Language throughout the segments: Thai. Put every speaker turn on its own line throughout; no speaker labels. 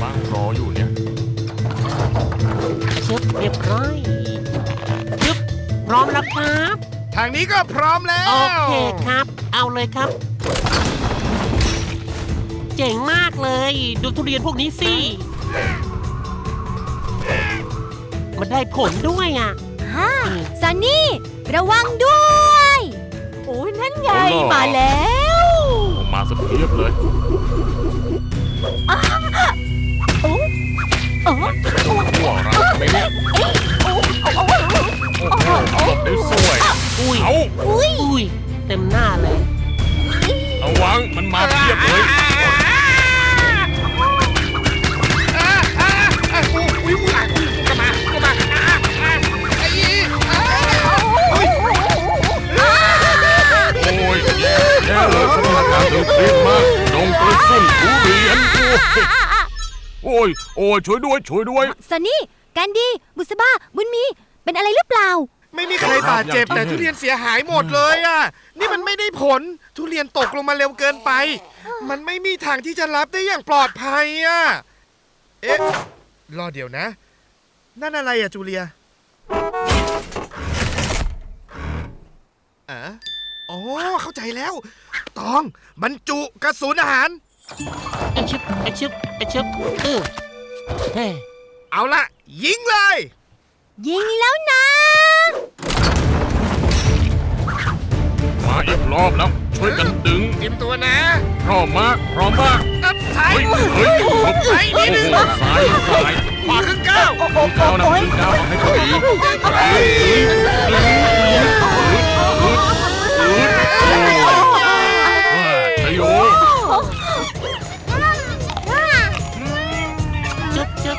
บ้างรออยู่เนี่ย
ชึบเรียบร้อยชึบพร้อมแล้วครับ
ทางนี้ก็พร้อมแล้ว
โอเคครับ เอาเลยครับ เจ๋งมากเลย ดูทุเรียนพวกนี้สิ มันได้ผลด้วยอ่ะ
ฮ่าซันนี่ ระวังด้วย โอ้ยนั่นไง มาแล้ว
มาสเพียบเลย
โอ้โอ้
หัวเราไหมเนี่ยโอ้โหหลบได้สวย
อุ้ย
เอา
อุ้ย
อุ้ย เต็มหน้าเลย
ระวังมันมาเพียบเลย โอ้ยแย่เลยสถานการณ์ตึงเครียดมากดงกระสุนทุเรียนโอ้ยช่วยด้วย
ซันนี่แกันดีบุษบาบุญมี เป็นอะไรหรือเปล่า
ไม่มีใครบาดเจ็บแต่ทุเรียนเสียหายหมดเลยอ่ะ นี่มันไม่ได้ผล ทุเรียนตกลงมาเร็วเกินไป มันไม่มีทางที่จะรับได้อย่างปลอดภัยอ่ะ เอ๊ะ รอเดี๋ยวนะ นั่นอะไรอ่ะจูเลียอ๋อ เข้าใจแล้ว ตองบรรจุกระสุนอาหาร
ไอชึบไอชึบไอชึบเฮ้
เอาละยิงเลย
ยิงแล้วนะ
มาอีกรอบแล้วช่วยกันดึง
เตรียมตัวนะ
พร้อมมาก
นับซ้าย
เฮ้ย
ซ้ายนิดนึง
ซ้าย
ขวาครึ่งก้าว
ก้าวนะขึ้นก้าวเอาให้พอดีชโย
ชึบชึบ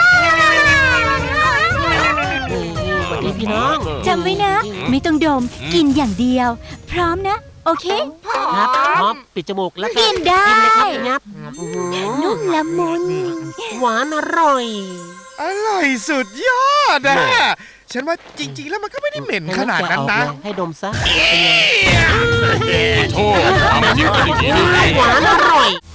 สวัสดีพี่น้อง
จำไว้นะ ไม่ต้องดม กินอย่างเดียว พร้อมนะ โอเค
ครับพร้อมปิดจมูกแล้วก็
กินได้
กินเลยครับงับอื้อหือ
นุ่มละมุน
หวานอร่อย
อร่อยสุดยอดอ่ะ ฉันว่าจริงๆ แล้วมันก็ไม่ได้เหม็นขนาดนั้นนะ
ให้ดมซะ
โทษทำจริงกันอย่างนี้ได้
หวานอร่อย